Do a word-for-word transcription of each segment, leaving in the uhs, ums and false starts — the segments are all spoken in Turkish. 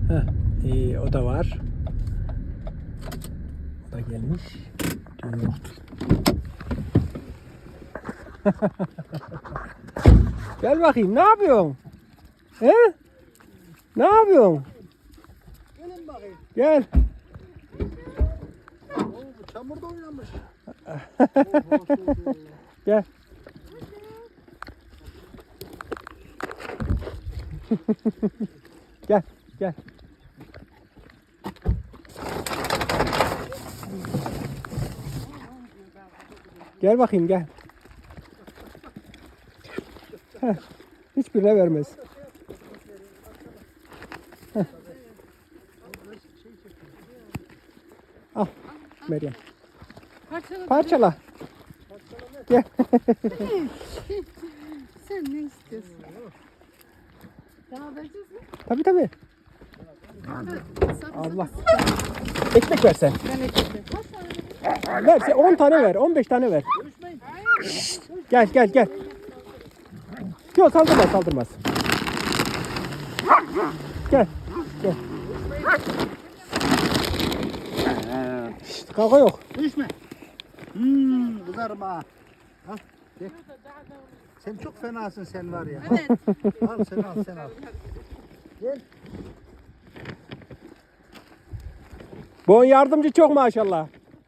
Heh, iyi, o da var. O da gelmiş. Düğün yoktur. Gel bakayım, ne yapıyorsun? He? Ne yapıyorsun? Gelin bakayım. Gel. Oo, bu çamurda oynamış. Gel. Gel, gel. Gel bakayım, gel. Heh, hiçbirine vermez. Heh. Al Meryem. Parçala. Parçala. Gel. Sen ne istiyorsun? Daha vereceğiz mi? Tabii tabii. Sap, Allah. Ekmek versen. Ben ekledim. Kaç tane? Verse on tane ver, on beş tane ver. Şşt, gel gel gel. Yok saldırmaz saldırmaz. Gel. Gel. Şşt, kavga yok. Düşme. Hmm, kızarım ha. Al, gel. Sen çok fenasın sen var ya. Evet. Al sen al sen al. Gel. Bu yardımcı çok maşallah.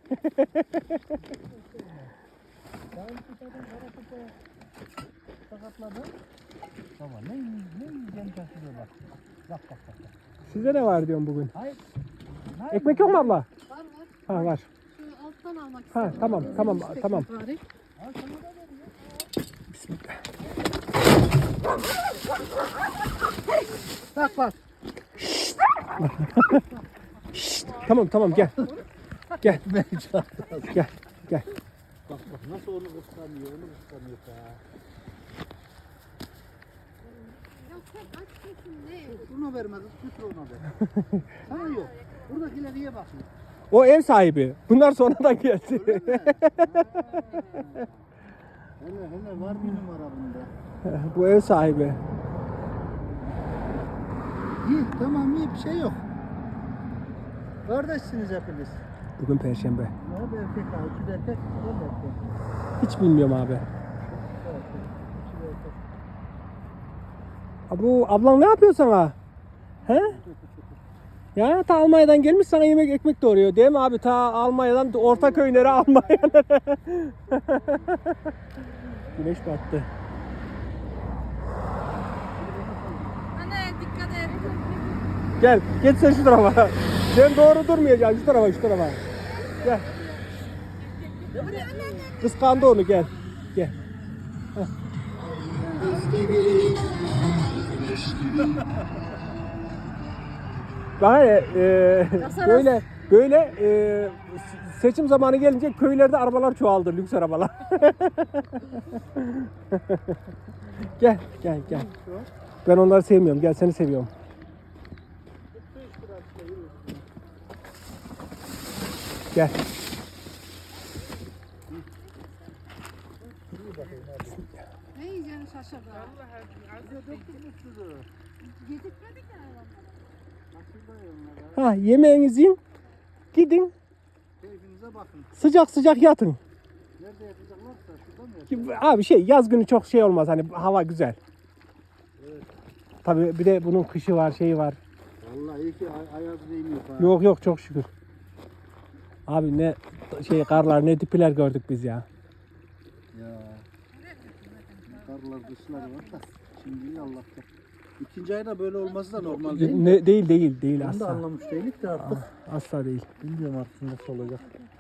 Sakatladın. Baba ne ne yiyeceğim şaşırıyor bak. Bak bak bak. Size ne var diyorum bugün? Hayır. Hayır. Ekmek yok mu abla? Var var. Ha var. Şu alttan almak Ha istedim. tamam tamam Üstteki tamam. bari. Al sana da ver ya. Bismillah. Bak bak. Şşt, tamam tamam gel. Gel Ben çağırdım. gel gel. Bak bak nasıl onu kıskanıyor, onu kıskanıyor ha. Ya sen aç mısın ne? Bunu vermez, götür ona ver. Sana yok. Buradakiler niye bakıyor? O ev sahibi. Bunlar sonradan geldi. Öyle mi? Hele hele var bir numara bunda. Bu ev sahibi. İyi tamam iyi bir şey yok. Kardeşsiniz hepiniz. Bugün Perşembe. Ne bir erkek var, iki de erkek, o da erkek. Hiç bilmiyorum abi. İki de erkek, iki de erkek. Abi bu ablan ne yapıyor sana? He? Ya ta Almanya'dan gelmiş sana yemek ekmek doğuruyor değil mi abi? Ta Almanya'dan Ortaköy'lere Almanya'lara. Güneş battı. Anne dikkat et. Gel geç sen şu tarafa. Sen doğru durmayacaksın şu tarafa şu tarafa. Gel. Kıskandı onu gel. Gel. Heh. Daha e, e, böyle böyle e, seçim zamanı gelince köylerde arabalar çoğaldı, lüks arabalar. Gel gel gel. Ben onları sevmiyorum. Gel seni seviyorum. Gel. Ne yiyeceğini şaşırdı. Mutludur. Yedirtmedik ya hayvanlara. Nasıl da onlara? Ha yemeğinizi yiyin. Gidin. Keyfinize bakın. Sıcak sıcak yatın. Nerede yatacaklarsa şurada mı yatacaklar? Abi şey yaz günü çok şey olmaz hani hava güzel. Evet. Tabii bir de bunun kışı var, şeyi var. Vallahi iyi ki ay ayaz değmiyor ha. Yok yok çok şükür. Abi ne şey karlar ne dipiler gördük biz ya. Ya. Karlar kışlar var da. Şimdi Allah'ta. İkinci ayda böyle olması da normal değil mi? Ne değil değil değil Bunu da asla. anlamış değilik de artık. Asla değil. Bilmiyorum artık nasıl olacak.